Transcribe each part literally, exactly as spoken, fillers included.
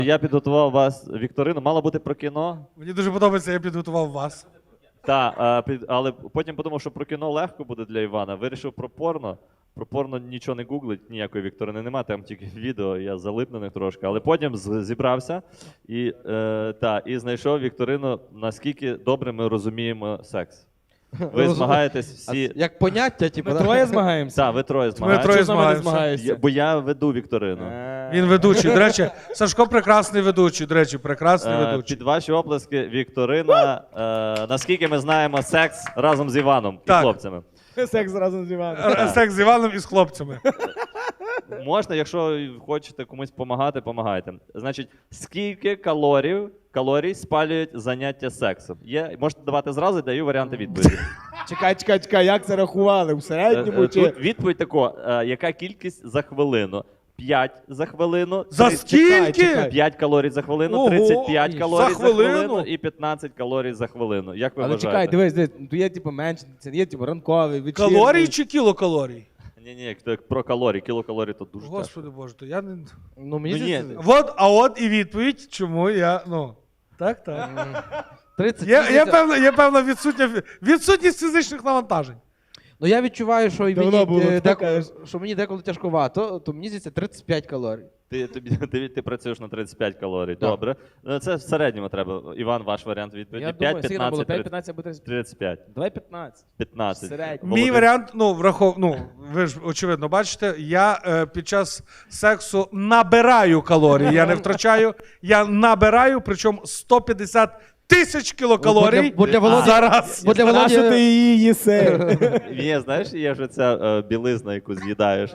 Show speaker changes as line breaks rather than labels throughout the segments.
Я підготував вас вікторину. Мало бути про кіно.
Мені дуже подобається, я підготував вас.
Так, але потім подумав, що про кіно легко буде для Івана. Вирішив про порно. Про порно нічого не гуглить, ніякої вікторини немає, там тільки відео, я залип на них трошки. Але потім зібрався і, е, та, і знайшов вікторину, наскільки добре ми розуміємо секс. Ви змагаєтесь всі.
Як поняття, типу.
Ми троє змагаємося?
Так, ви троє
Ми
змагаєтесь.
троє
Чого з нами не
змагаємося.
змагаєшся?
Я- Бо я веду вікторину.
Він ведучий. До речі, Сашко прекрасний ведучий. До речі, прекрасний
Е,
ведучий.
Під ваші оплески вікторина. Е, наскільки ми знаємо секс разом з Іваном і
Так.
хлопцями.
Секс разом з Іваном.
Р- Секс з Іваном і з хлопцями.
Можна, якщо хочете комусь допомагати, допомагайте. Значить, скільки калорій, калорій спалюють заняття сексом? Є, можете давати зразу, даю варіанти відповіді.
Чекай, чекай, чекай, як це рахували? У
Е,
середньому
е,
чи...
Тут відповідь тако, е, яка кількість за хвилину? п'ять за хвилину.
За
три-
скільки?
чекай.
п'ять калорій за хвилину,
Ого,
тридцять п'ять
за
калорій за
хвилину?
хвилину і п'ятнадцять калорій за хвилину. Як ви
Але
вважаєте?
чекай, дивись, дивись, тут є типу менше, це є типу ранковий, вечірній.
Калорії чи кілокалорій?
Ні, ні, про калорії, кілокалорій то дуже тяжко.
Господи Боже, то я не.
Ну, мені
Ну, ні.
здається,
От, а от і відповідь, чому я. Ну. Так, так.
тридцять
Є, є,
місяців.
певна, є певна відсутня, відсутність фізичних навантажень.
Ну я відчуваю, що, і
Давно
мені,
було,
е,
ти
деко-
кажеш.
що мені деколи тяжковато, то мені здається тридцять п'ять калорій.
Ти, тобі, ти, ти працюєш на тридцять п'ять калорій.
Так.
Добре. Ну, це в середньому треба. Іван, ваш варіант відповіді.
Я
п'ять,
думаю, скільки нам було?
п'ятнадцять,
п'ять, п'ятнадцять або тридцять п'ять?
тридцять п'ять.
Давай п'ятнадцять.
п'ятнадцять.
Середньо.
Мій
Володимир?
варіант, ну, врахов, ну, ви ж очевидно бачите, я е, під час сексу набираю калорії, я не втрачаю, я набираю, причому сто п'ятдесят тисяч кілокалорій
Бо для- бо для Володі-
зараз.
Бо для
А що ти
Володі...
її їси?
Є, знаєш, є ж ця е, білизна, яку з'їдаєш.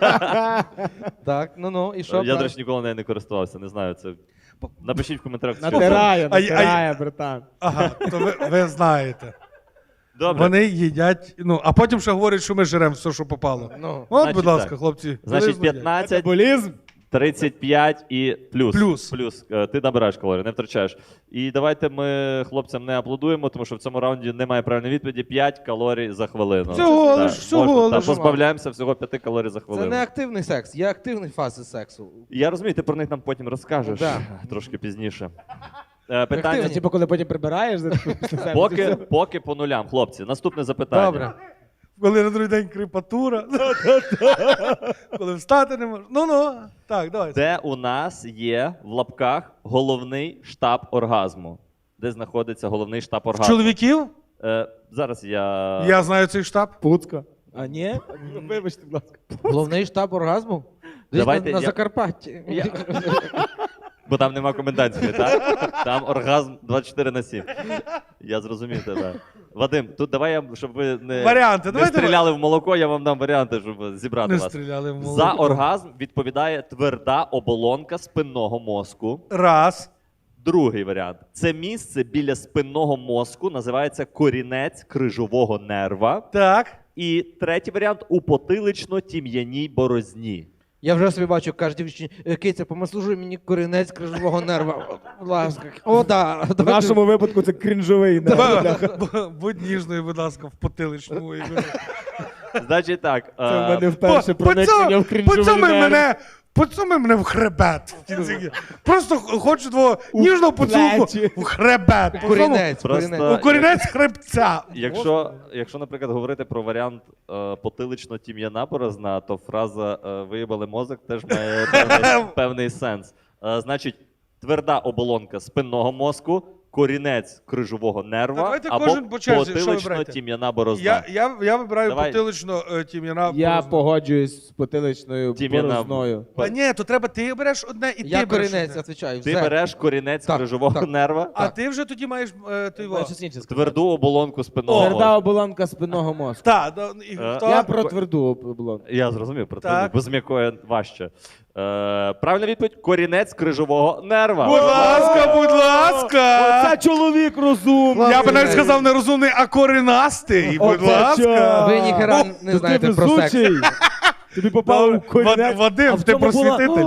Так, ну ну, і що?
Я, до
брат?
речі, ніколи нею не користувався, не знаю. Це... Напишіть в коментарях. що це.
Натирає,
А- а-
натирає, братан.
Ага, то ви, ви знаєте.
Добре.
Вони їдять, ну, а потім ще говорять, що ми жремо все, що попало.
Ну,
От,
Значить
будь ласка,
так.
хлопці.
Значить,
білизну їдять.
п'ятнадцять,
Метаболізм?
тридцять п'ять і плюс.
Плюс.
Плюс. Е, Ти набираєш калорії, не втрачаєш. І давайте ми хлопцям не аплодуємо, тому що в цьому раунді немає правильної відповіді. п'ять калорій за хвилину.
Всього
Так,
лиш, всього
можна,
лиш.
так, позбавляємося всього п'ять калорій за
це
хвилину.
не активний секс, є активні фази сексу.
Я розумію, ти про них нам потім розкажеш
Да.
трошки пізніше. Е, Питання.
Активні.
Типу, коли потім прибираєш, за- після себе,
Поки,
це все.
поки по нулям, хлопці. Наступне запитання.
Добре.
Коли на другий день кріпатура. Коли встати не можна. Ну-ну. Так, давайте.
Де у нас є в лапках головний штаб оргазму? Де знаходиться головний штаб оргазму?
Чоловіків?
Е, зараз я.
Я знаю цей штаб.
Пуцка. А ні? Вибачте, будь ласка.
Головний штаб оргазму? Десь
Давайте
на, на
я-
Закарпатті.
Я- Бо там нема комендантської, так? Там оргазм двадцять чотири на сім. Я зрозумів тебе. Вадим, тут давай я, щоб ви не,
Варіанти,
не
давайте
стріляли в молоко, я вам дам варіанти, щоб зібрати
Не
вас.
стріляли в молоко.
За оргазм відповідає тверда оболонка спинного мозку.
Раз.
Другий варіант. Це місце біля спинного мозку називається корінець крижового нерва.
Так.
І третій варіант у потилично-тім'яній борозні.
Я вже собі бачу, каже дівчині, «Е, Киця, помаслужуй мені корінець крижового нерва. Будь ласка. О, да.
В нашому випадку це крінжовий. не?
Б- Будь ніжною, будь ласка, в потиличному.
Значить так.
Це в
е,
мене вперше проникнення в крінжовий
Поцьомай
нерв.
мене, поцьомай мене в хребет. в кінці. Просто хочу твого ніжного поцілунку
плечі.
в хребет.
Корінець,
Просто-
корінець.
У корінець хребця.
Якщо, якщо, наприклад, говорити про варіант е, потилично-тім'яна борозна, то фраза е, виїбали мозок теж має певний, певний сенс. Е, значить, тверда оболонка спинного мозку, корінець крижового нерва
Давайте
або
кожен по черзі, що ви берете?
потилично-тім'яна борозна.
Я, я, я вибираю
Давай.
потилично е, тім'яна.
Я
борозна.
погоджуюсь з потиличною
Тім'яна.
борозною.
А ні, то треба ти береш одне і
Я
ти береш
корінець,
одне.
відповідаю.
Ти
все.
береш корінець
Так,
крижового
так.
нерва,
А ти вже тоді маєш е, той во.
Щось інше сказати.
тверду оболонку спинного
Тверда
мозку.
оболонка спинного мозку.
Так, да, і
Е,
хто?
Я про тверду оболонку.
Я зрозумів про
Так.
це, бо з м'якою важче. Е, правильна відповідь корінець крижового нерва.
Будь ласка, будь ласка.
Оце чоловік розумний.
Я би навіть сказав не розумний, а коренастий. Будь
Оце
ласка.
що?
Ви ніхера
О,
не
то
знаєте
ти
про секс.
везучий. Тобі попав у
Вад-
корінець.
Вадим,
А в
ти
цьому була-
просвітитель.
О,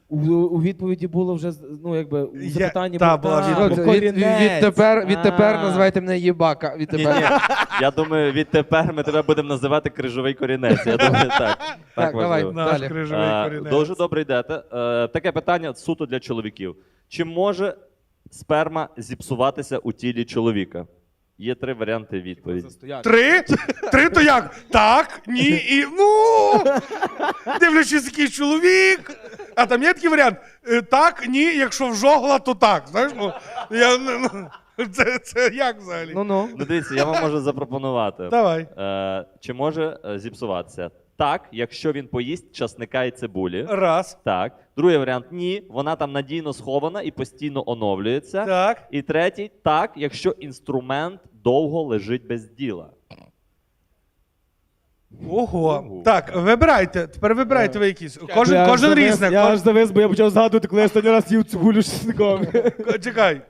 У, у відповіді було вже, ну, якби, у
Я-
запитанні
та,
було,
була
«А,
відповідь.
бо
Від, від,
корінець».
відтепер, відтепер
А.
називайте мене Єбака.
Ні,
Відтепер.
ні. Я думаю, відтепер ми тебе будемо називати крижовий корінець. Я думаю, так.
Так, давай.
важливо.
Наш
Далі.
крижовий
Е,
корінець.
Дуже добре йдете. Е, Таке питання суто для чоловіків. Чи може сперма зіпсуватися у тілі чоловіка? Є три варіанти відповіді.
Застояти.
Три? Три то як? Так, ні і ну. Дивлячись, який чоловік. А там є такий варіант. Е, Так, ні, якщо в жогла, то так. Знаєш, ну, я, ну, ну, це, це як взагалі?
Ну-ну.
Ну дивіться, я вам можу запропонувати.
Давай.
Е, Чи може е, зіпсуватися? Так, якщо він поїсть часника і цибулі.
Раз.
Так. Другий варіант ні. Вона там надійно схована і постійно оновлюється.
Так.
І третій так, якщо інструмент довго лежить без діла.
Ого.
Ого.
Так, вибирайте. Тепер вибирайте ви якісь. Кожен,
Я аж
кожен
завис-
різне.
Я
Кож-
аж завис, бо я почав згадувати, коли я останній раз їв цибулю з чесником.
Ко- Чекай.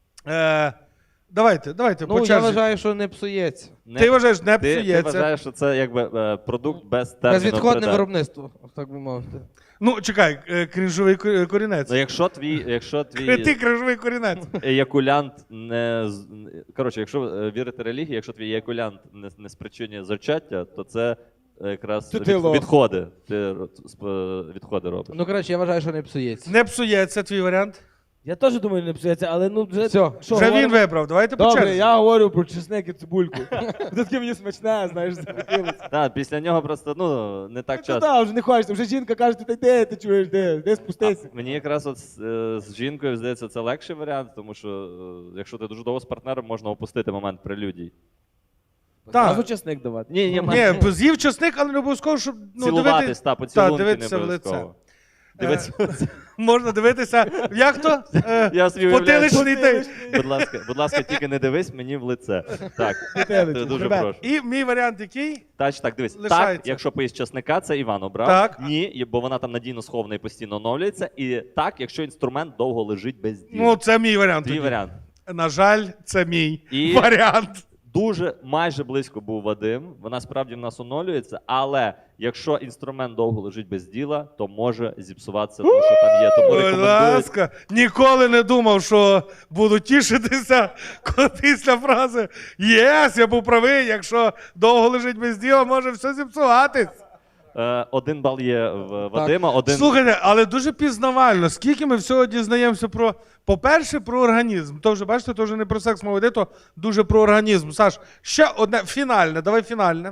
Е, давайте, давайте,
Ну,
по
я
черзі.
вважаю, що не псується.
Не-
Ти вважаєш, не
ти, ти
псується.
вважаєш, що це якби е, продукт без терміну
Безвідходне
придатності.
виробництво, так би мовити.
Ну, чекай, е, крінжовий ко- корінець.
Ну, якщо твій, якщо
Ти
твій
крінжовий корінець.
еякулянт не з- коротше, якщо е, вірити релігії, якщо твій еякулянт не, не спричинює зачаття, то це якраз
То ти
від,
лох.
відходи. Ти ро- сп- відходи робиш.
Ну, коротше, я вважаю, що не псується.
Не псується твій варіант.
Я теж думаю, не псується, але ну вже...
Все.
що,
Вже він
говоримо?
вибрав. Давайте по
Добре,
черзі.
я говорю про чесник і цибульку. Це таке мені смачне, знаєш, захотілося.
Так, після нього просто ну не так
Ну
часто.
так, вже не хочеться. Вже жінка каже, ти де, ти чуєш, де, де спустися.
Мені якраз от з, е, з жінкою здається, це легший варіант, тому що е, якщо ти дуже довго з партнером, можна опустити момент прелюдій.
Так.
Зразу чесник давати.
Ні, ні,
Ні, бо з'їв часник, але не обов'язково, щоб ну,
цілуватись,
дивитись.
та, поцілунки
дивитися
не
в
обов'язково.
лице.
Дивитися в лице.
Можна дивитися. Як то? Е,
Я собі уявляю.
Потиличний той.
Будь ласка, будь ласка, тільки не дивись мені в лице. Так,
Потилицю,
дуже
хребет.
прошу.
І мій варіант який?
Тач, так, дивись. Так,
Лишається.
якщо поїсть часника, це Іван обрав.
Так.
Ні, і- бо вона там надійно схована і постійно оновлюється. І так, якщо інструмент довго лежить без діла.
Ну, це мій варіант.
Твій
тоді.
варіант.
На жаль, це мій
І-
варіант.
Дуже майже близько був Вадим. Вона справді в нас оновлюється, але якщо інструмент довго лежить без діла, то може зіпсуватися, тому що там є. Тому
Будь
рекомендують.
ласка, ніколи не думав, що буду тішитися коли після фрази «Єс, я був правий, якщо довго лежить без діла, може все зіпсуватись».
Е, один бал є в Вадима, один.
Слухайте, але дуже пізнавально. Скільки ми всього дізнаємося про, по-перше, про організм. То вже, бачите, то вже не про секс мова йде, то дуже про організм. Саш, ще одне, фінальне, давай фінальне.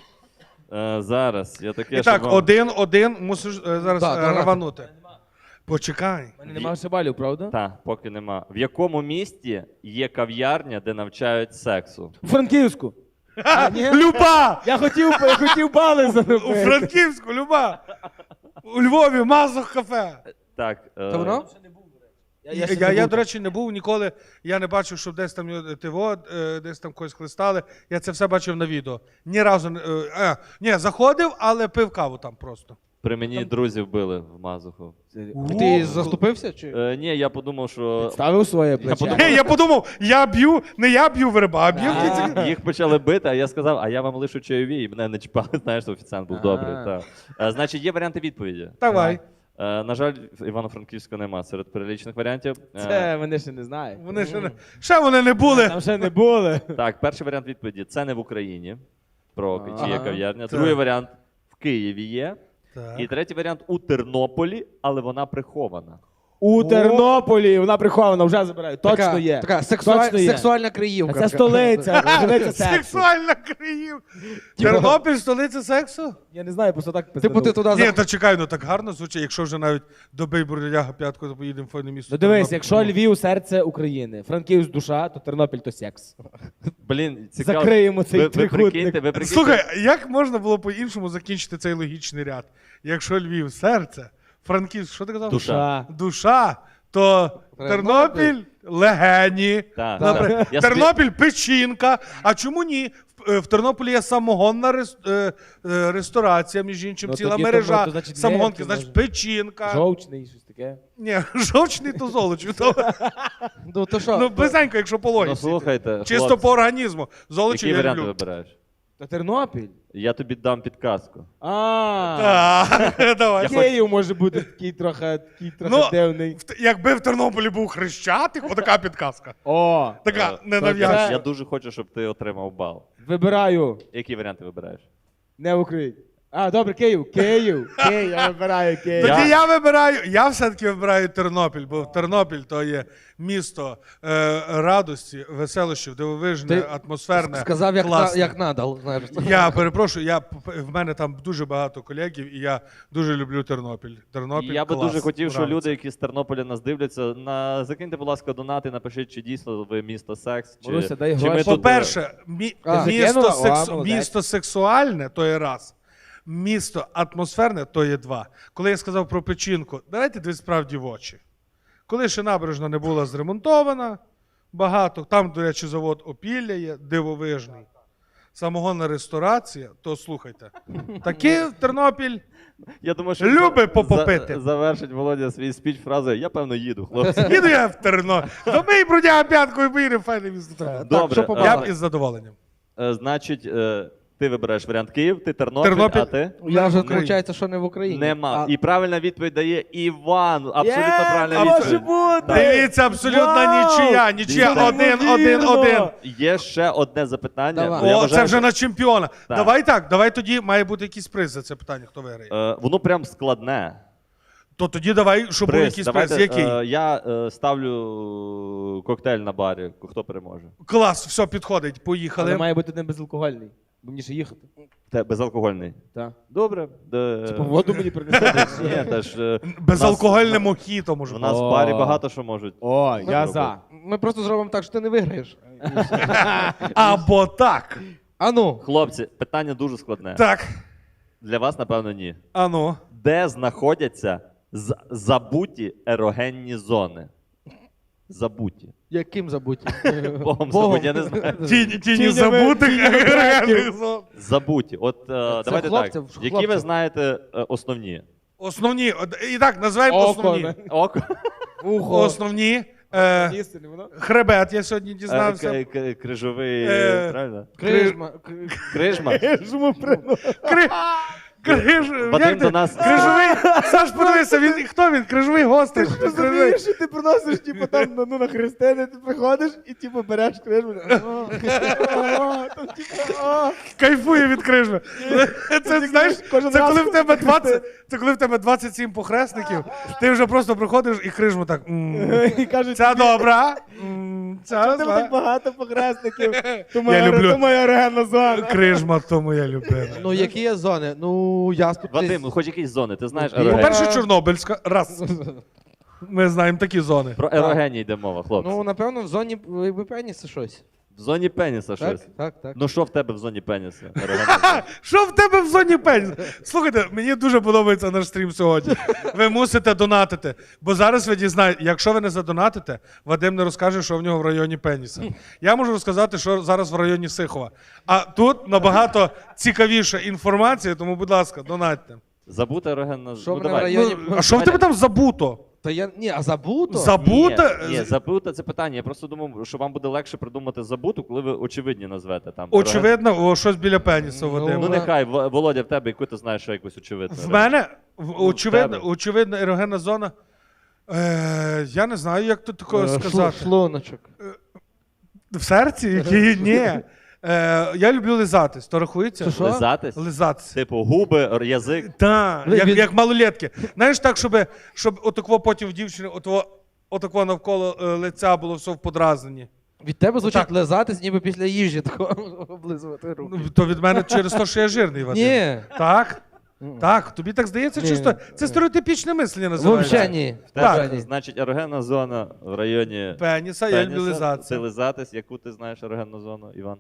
Е, зараз. Я таке,
І так,
щоб вам-
один-один, мусиш е, зараз
Так,
е,
давай.
раванути. Почекай.
У мене немає ще балів, правда?
Та, поки нема. В якому місті є кав'ярня, де навчають сексу?
У Франківську. А, ні?
Люба!
Я хотів, я хотів бали
У
заробити.
Франківську, Люба! У Львові, Мазох кафе.
Так. е,
То воно?
Я,
Я,
ще
я,
не
я,
був
до
там.
речі, не був ніколи. Я не бачив, щоб десь там його ТВО, е, десь там когось хлистали. Я це все бачив на відео. Ні разу не. е, е, ні, заходив, але пив каву там просто.
При мені друзів били в Мазуху.
Ти заступився? Чи?
Е, ні, я подумав, що
Ставив своє плече.
подумав-
Е, я подумав, я б'ю, не я б'ю верба, а б'ю в кінці.
їх почали бити, а я сказав, а я вам лишу чайові, і мене не чіпали. Знаєш, офіціант був
А.
добрий. Та. Е, Значить, є варіанти відповіді.
Давай.
Е, На жаль, Івано-Франківська нема серед перелічених варіантів. Е,
Це вони ще не знають.
Вони ще не. Ще вони не були.
Там ще не були.
Так, перший варіант відповіді це не в Україні. Про чи є
Ага.
кав'ярня.
Так.
Другий варіант в Києві є.
Так.
І третій варіант у Тернополі, але вона прихована.
У Тернополі вона прихована, вже забирають. Точно
така,
є.
Така сексуаль...
Точно є.
сексуальна
А
криївка.
це столиця, столиця сексу.
Сексуальна криїв. Тернопіль, столиця сексу?
Я не знаю, просто так
Типу ти
пизданув.
туди
Ні,
за...
та чекай, ну так гарно звучить, якщо вже навіть добий бурляга п'ятку, то поїдемо в файне місто.
Ну дивись,
Тернопіль.
якщо Львів серце України, Франківськ душа, то Тернопіль то секс.
Блін, цікаво.
Закриємо цей
ви, ви
трикутник.
прикиньте, ви прикиньте.
Слухай, як можна було по-іншому закінчити цей логічний ряд? Якщо Львів серце, Франківськ, що ти казав?
Душа.
Душа, то Тернопіль легені.
Так,
Добре.
так. Я собі-
Тернопіль печінка. А чому ні? В, е, в Тернополі є самогонна рес, е, е, ресторація, між іншим,
Ну,
ціла
тоді
мережа
тому, то, значить,
самогонки,
легкі,
значить,
може.
печінка.
Жовчний, щось таке.
Ні, жовчний то золочів. То,
Ну, то що?
ну, близенько, якщо по
Ну
логіці.
слухайте,
Чисто
хлопці,
по організму. Золочів
які
я
варіанти
люблю.
вибираєш?
Та Тернопіль.
Я тобі дам підказку.
А,
Так, давай.
Київ може бути такий трохи, такий трохи
Ну,
дивний.
В- Якби в Тернополі був Хрещатик, отака підказка.
О,
Така
Е,
ненав'язчива.
Я дуже хочу, щоб ти отримав бал.
вибираю.
Які варіанти вибираєш?
Не Україна. А, добре, Київ. Київ. Київ, я вибираю Київ.
Тоді
Я-
я вибираю, я все-таки вибираю Тернопіль, бо Тернопіль то є місто е, радості, веселощів, дивовижне,
Ти
атмосферне,
Сказав, як, на,
класне.
як надал. Знаєш.
Я перепрошую, я, в мене там дуже багато колегів, і я дуже люблю Тернопіль. Тернопіль
Я би
клас,
дуже хотів, що
нравиться.
люди, які з Тернополя нас дивляться, на закиньте, будь ласка, донати, напишіть, чи дійсно ви місто секс, чи,
Маруся, дай
чи ми
гроші.
тут...
По-перше, мі-
А.
місто,
Закинула? О,
сексу...
молодець.
місто сексуальне то є раз. Місто атмосферне то є два. Коли я сказав про печінку, давайте дві справді в очі. Коли ще набережна не була зремонтована, багато, там, до речі, завод Опілля є, дивовижний. Самогонна ресторація, то слухайте. Таки Тернопіль.
Я думаю, що
Люби
за-
попопити.
за- завершить Володя свій спіч фразою «Я, певно, їду, хлопці».
Їду я в Тернопіль. Добий брудяга п'яткою поїде, файне місто. треба.
Добре,
Так, що
е,
я б із задоволенням.
Е, Значить, е, ти вибираєш варіант Київ, ти Тернопіль,
Тернопіль.
а ти?
Я вже,
Україні.
виходить, що не в Україні.
Нема.
А,
І правильна відповідь дає Іван. Абсолютно
Є,
правильна
а може
відповідь.
бути.
Дивіться, абсолютно
Вау!
нічия. Нічия
Дивіться.
один, один,
Неймовірно.
один.
Є ще одне запитання.
Давай.
бо я
О,
вважаю,
це вже на чемпіона.
Так.
Давай так, давай тоді має бути якийсь приз за це питання, хто виграє.
е, воно прям складне.
То тоді давай, щоб був
Приз.
якийсь
Давайте,
приз. Який?
е, я е, ставлю коктейль на барі. Хто переможе?
Клас, все, підходить,
Але
поїхали.
має бути не безалкогольний. Бо мені ще їхати.
Те, безалкогольний.
Так.
Добре. Де...
Типу воду мені принесете?
Ні, теж, е,
Безалкогольне
нас-
мохіто, може.
У нас
О.
в барі багато що можуть.
О, я
зробити.
за.
Ми просто зробимо так, що ти не виграєш.
Або так.
Ану,
Хлопці, питання дуже складне.
Так.
Для вас, напевно, ні.
Ану.
Де знаходяться з- забуті ерогенні зони? Забуті.
яким забудь?
Богом забуті, я не знаю.
Тіні, тіні
Тінями-
забутих
тінями
агрегатних зон.
Забуті. От е, давайте
хлопців,
так. Які
хлопців.
ви знаєте е, основні?
Основні. от- І так, називаємо
Око,
основні.
не?
Око.
Ухо.
Основні. Е,
Їсти не воно?
хребет, я сьогодні
Е,
дізнався.
к- к- Крижовий.
Е,
Правильно?
Крижма. к-
Крижма.
Жму приносить.
Кри... Криж...
Вадим
Як
до
ти?
нас-
Крижовий. Саш, подивися, він хто він? Крижовий гостей.
Ти розумієш, що ти приносиш, типу, там ну, ну, на хрестини, ти приходиш і типу береш крижму. Там, типу, о.
Кайфує від крижми. Це знаєш,
кожен
це
раз
коли в тебе
купити.
двадцять, це коли в тебе двадцять сім похресників, ти вже просто приходиш і крижму так. «М,
І кажуть,
Ця добра. м, Ця
чого в тебе так
зла».
багато похресників? То моя,
люблю.
то моя орегана зона.
Крижма, то моя любима.
Ну, які є зони? Ну, я сподіваюся.
Вадим, хоч якісь зони, ти знаєш
Ну,
ерогенні.
По-перше, Чорнобильська. Раз. Ми знаємо такі зони.
Про ерогенні йде мова, хлопці.
Ну, напевно, в зоні якби пеніса щось.
В зоні пеніса щось.
Так, так, так.
Ну що в тебе в зоні пеніса? Ерогенна зона?
Що в тебе в зоні пенс? Слухайте, мені дуже подобається наш стрім сьогодні. Ви мусите донатити. Бо зараз ви дізнаєте, якщо ви не задонатите, Вадим не розкаже, що в нього в районі пеніса. Я можу розказати, що зараз в районі Сихова. А тут набагато цікавіша інформація, тому, будь ласка, донатьте.
Забута ерогенна
Що
ну,
в мене в
давай.
районі-
Ну, а що в тебе там забуто?
Та я. Ні, а забуто?
Забуто?
Ні, ні, забута це питання. Я просто думав, що вам буде легше придумати забуту, коли ви очевидні назвете там.
Очевидно, о, щось біля пеніса,
Ну,
Вадим.
Ну нехай, В- Володя, в тебе, яку ти знаєш, що якусь очевидну.
В мене в- очевидно,
тебе.
очевидно ерогенна зона. Е, я не знаю, як тут такого
Е, шлу-
сказати.
Шлуночок.
В серці? Які? Ні. Е, я люблю лизатись. То рахується?
Це що?
Лизатись?
Лизатись.
Типу губи, р- язик.
Так,
Ви-
як,
він-
як малолетки. Знаєш, так, щоб, щоб отако потім в дівчини, отако, отако навколо е, лиця було все в подразненні.
Від тебе звучить
Так.
лизатись, ніби після їжі такого облизувати руки.
Ну, то від мене через те, що я жирний, Вадим.
Ні.
Так? Так, тобі так здається,
Ні.
чисто. Це стереотипічне мислення називається.
Взагалі ні.
В тебе,
Взагалі ні.
значить, ерогенна зона в районі
Пеніса, я люблю
пеніса. Це
лизатися.
лизатись. Яку ти знаєш ерогенну зону, Іван?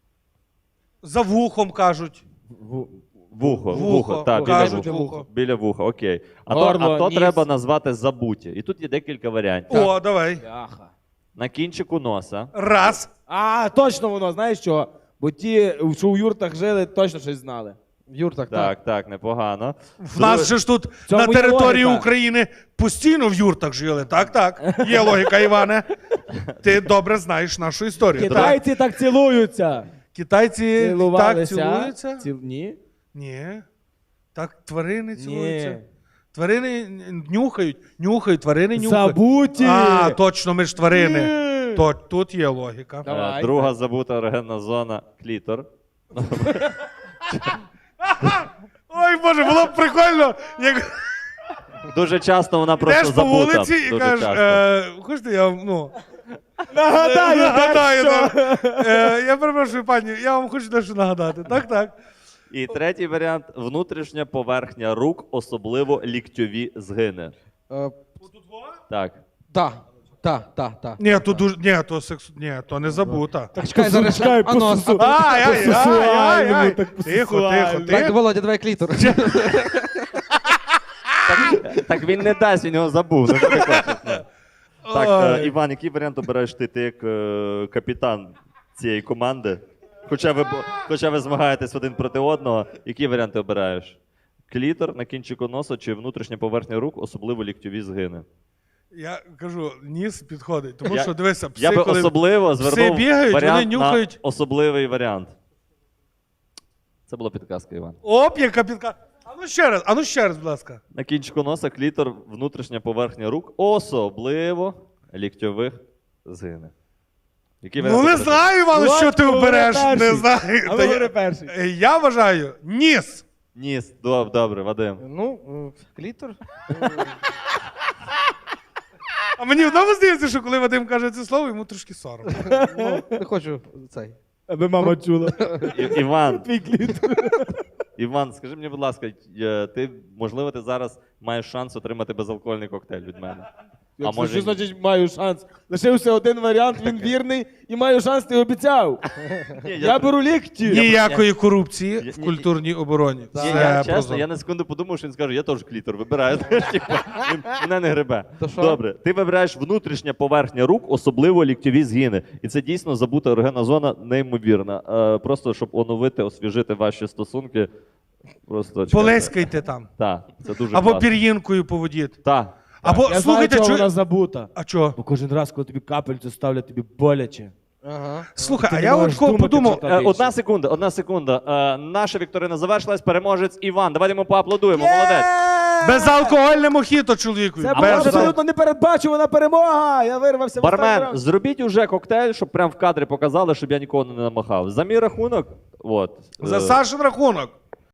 За вухом кажуть.
Вухо,
Вухо,
вухо, так, біля
кажуть
вуха.
вухо.
Біля вуха, окей. А
Горло,
то, а то
ніс.
треба назвати забуті. І тут є декілька варіантів.
О, давай.
Бляха.
На кінчику носа.
Раз.
А, точно воно, знаєш чого? Бо ті, що у юртах жили, точно щось знали.
Юр, так, так.
Так, так, непогано.
В нас же ж тут
цьому
на
є
території
логіка.
України постійно в юртах жили. Так, так. Є логіка, Іване. Ти добре знаєш нашу історію. Так.
Китайці так цілуються.
Китайці так
Цілувалися?
цілуються?
Ціл... Ні?
Ні. Так тварини цілуються.
Ні.
Тварини нюхають, нюхають, тварини нюхають.
Забуті!
А, точно, ми ж тварини.
Ні.
То, тут є логіка.
Е,
Давай.
Друга забута ерогенна зона клітор.
Ой, Боже, було б прикольно, як
Дуже часто вона просто
йдеш по
забута.
вулиці і
Дуже
кажеш,
часто.
е, хочете, я вам, ну,
Нагадаю,
нагадаю.
дещо.
так. Е, я перепрошую, пані, я вам хочу дещо нагадати. Так, так.
І третій варіант внутрішня поверхня рук, особливо ліктьові згини.
Е,
Так.
Та, та, та, та.
Ні, то дуже, ні, то сексу, ні, то не забута.
Чекай, зараз.
Чекай,
А ну,
посусу.
а-
Ай, ай, ай, ай,
По-сексуальному,
ай.
так
Тихо, тихо,
по-сексуальному.
Так,
тихо.
Володя, давай клітор.
Так він не дасть, він його забув. Ну, що ти хочеш, ну? Так, е,
Ой.
Іван, який варіант обираєш ти? Ти як е, капітан цієї команди? Хоча ви, бо- хоча ви змагаєтесь один проти одного, який варіант ти обираєш? Клітор на кінчику носа чи внутрішня поверхня рук, особливо ліктьові згини?
Я кажу, ніс підходить, тому
Я-
що дивися, пси,
Я би
коли
особливо
пси
звернув
бігають,
варіант
вони нюхають.
на особливий варіант. Це була підказка, Іван.
Оп, яка підка. А ну ще раз, а ну ще раз, будь ласка.
На кінчику носа клітор, внутрішня поверхня рук, особливо ліктьових згини. Який
Ну
варіант
не
обереш?
знаю, Іван, що ти
Володько,
обереш,
говори
не
перший.
знаю.
А
Та
ви говори
я,
перший.
Е, я вважаю, ніс.
Ніс, доб- добре, Вадим.
Ну, е, клітор.
А мені одному здається, що коли Вадим каже це слово, йому трошки соромно.
Ну, не хочу цей.
Аби мама чула.
І- Іван,
Твій кліт.
Іван, скажи мені, будь ласка, е, ти, можливо, ти зараз маєш шанс отримати безалкогольний коктейль від мене. А може
Що
ні?
значить маю шанс? Лишився один варіант, він вірний, і маю шанс, ти обіцяв.
Ні,
Я беру лікті.
Ніякої корупції
Я-
в
ні-
культурній обороні.
Ні,
Все
я, чесно,
прозоро.
я на секунду подумав, що він скаже, я теж клітор вибираю. Знаєш, типу, він мене не гребе.
То що?
Добре, ти вибираєш внутрішня поверхня рук, особливо ліктьові згини. І це дійсно забута ерогенна зона, неймовірна. Е, просто щоб оновити, освіжити ваші стосунки. Просто
Полескайте там.
Так, це дуже
Або
класно.
пір'їнкою поводіть.
Так.
Або
Я знаю,
слухайте,
чого
чу...
вона забута.
А чого?
Бо кожен раз, коли тобі капельцю ставлять, тобі боляче.
Ага.
Слухай,
Ти
а
не
я
можеш
от ко-
думати,
подумав,
що там
Е,
більше.
одна секунда, одна секунда. Е, наша вікторина завершилась, переможець Іван. Давайте йому поаплодуємо, молодець.
безалкогольне мохіто, чоловіку.
Це
Без
була
алко-
абсолютно непередбачувана перемога! Я вирвався в останній
Бармен,
раунд.
зробіть уже коктейль, щоб прям в кадрі показали, щоб я нікого не намахав. За мій рахунок, от.
За
е,
Сашин рахунок.